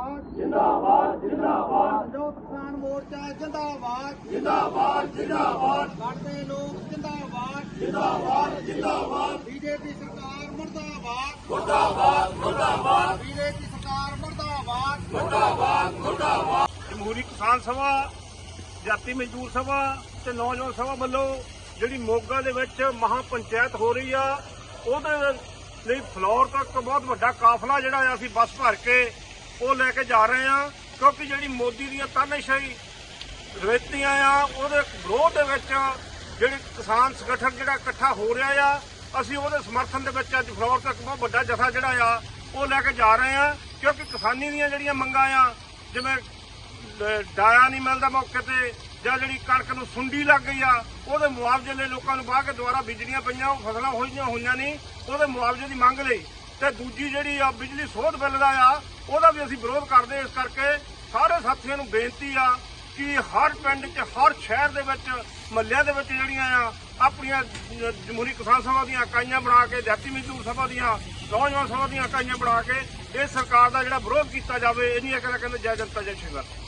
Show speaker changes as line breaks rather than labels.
जिंदाबाद
जिंदाबाद जिंदाबाद
संयुक्त किसान मोर्चा जिंदाबाद
जिंदाबाद जिंदाबाद
लड़ते लोग जिंदाबाद
जिंदाबाद जिंदाबाद
बीजेपी सरकार मुर्दाबाद
मुर्दाबाद मुर्दाबाद
बीजेपी सरकार मुर्दाबाद
मुर्दाबाद मुर्दाबाद
ਜਮਹੂਰੀ ਕਿਸਾਨ ਸਭਾ ਜਾਤੀ ਮਜ਼ਦੂਰ ਸਭਾ ਤੇ ਨੌਜਵਾਨ ਸਭਾ ਵੱਲੋਂ ਜਿਹੜੀ ਮੋਗਾ ਦੇ ਵਿੱਚ ਮਹਾ ਪੰਚਾਇਤ ਹੋ ਰਹੀ ਆ ਉਹਦੇ ਲਈ ਫਲੋਰ ਤੱਕ ਬਹੁਤ ਵੱਡਾ ਕਾਫਲਾ ਜਿਹੜਾ ਆ ਅਸੀਂ ਬੱਸ ਭਰ ਕੇ ਉਹ ਲੈ ਕੇ ਜਾ ਰਹੇ ਆ ਕਿਉਂਕਿ ਜਿਹੜੀ ਮੋਦੀ ਦੀਆਂ ਤਾਨਾਸ਼ਾਹੀ ਰਵੈਤੀਆਂ ਆ ਉਹਦੇ ਵਿਰੋਧ ਦੇ ਵਿੱਚ ਜਿਹੜੀ ਕਿਸਾਨ ਸੰਗਠਨ ਜਿਹੜਾ ਇਕੱਠਾ ਹੋ ਰਿਹਾ ਆ ਅਸੀਂ ਉਹਦੇ ਸਮਰਥਨ ਦੇ ਵਿੱਚ ਅੱਜ ਫਲੋਰ ਤੱਕ ਬਹੁਤ ਵੱਡਾ ਜਥਾ ਜਿਹੜਾ ਆ ਉਹ ਲੈ ਕੇ ਜਾ ਰਹੇ ਆ ਕਿਉਂਕਿ ਕਿਸਾਨੀ ਦੀਆਂ ਜਿਹੜੀਆਂ ਮੰਗਾਂ ਆ ਜਿਵੇਂ ਡਾਇਆ ਨਹੀਂ ਮਿਲਦਾ ਮੌਕੇ ਤੇ ਜਾਂ ਜਿਹੜੀ ਕਣਕ ਨੂੰ ਸੁੰਡੀ ਲੱਗ ਗਈ ਆ ਉਹਦੇ ਮੁਆਵਜ਼ੇ ਲਈ ਲੋਕਾਂ ਨੂੰ ਬਾਹ ਕੇ ਦੁਬਾਰਾ ਬੀਜਣੀਆਂ ਪਈਆਂ ਉਹ ਫਸਲਾਂ ਹੋਈਆਂ ਨਹੀਂ ਉਹਦੇ ਮੁਆਵਜ਼ੇ ਦੀ ਮੰਗ ਲਈ ਤੇ ਦੂਜੀ ਜਿਹੜੀ ਆ ਬਿਜਲੀ ਸੋਧ ਬਿੱਲ ਦਾ ਆ ਉਹਦਾ ਵੀ ਅਸੀਂ ਵਿਰੋਧ ਕਰਦੇ ਇਸ ਕਰਕੇ ਸਾਰੇ ਸਾਥੀਆਂ ਨੂੰ ਬੇਨਤੀ ਆ ਕਿ ਹਰ ਪਿੰਡ 'ਚ ਹਰ ਸ਼ਹਿਰ ਦੇ ਵਿੱਚ ਮਹੱਲਿਆਂ ਦੇ ਵਿੱਚ ਜਿਹੜੀਆਂ ਆ ਆਪਣੀਆਂ ਜਮਹੂਰੀ ਕਿਸਾਨ ਸਭਾ ਦੀਆਂ ਇਕਾਈਆਂ ਬਣਾ ਕੇ ਜਾਤੀ ਮਜ਼ਦੂਰ ਸਭਾ ਦੀਆਂ ਨੌਜਵਾਨ ਸਭਾ ਦੀਆਂ ਇਕਾਈਆਂ ਬਣਾ ਕੇ ਇਹ ਸਰਕਾਰ ਦਾ ਜਿਹੜਾ ਵਿਰੋਧ ਕੀਤਾ ਜਾਵੇ ਇਹਨੀਆਂ ਕਹਿੰਦੇ ਜੈ ਜਨਤਾ ਜੈ ਸ਼ਿੰਗਰ।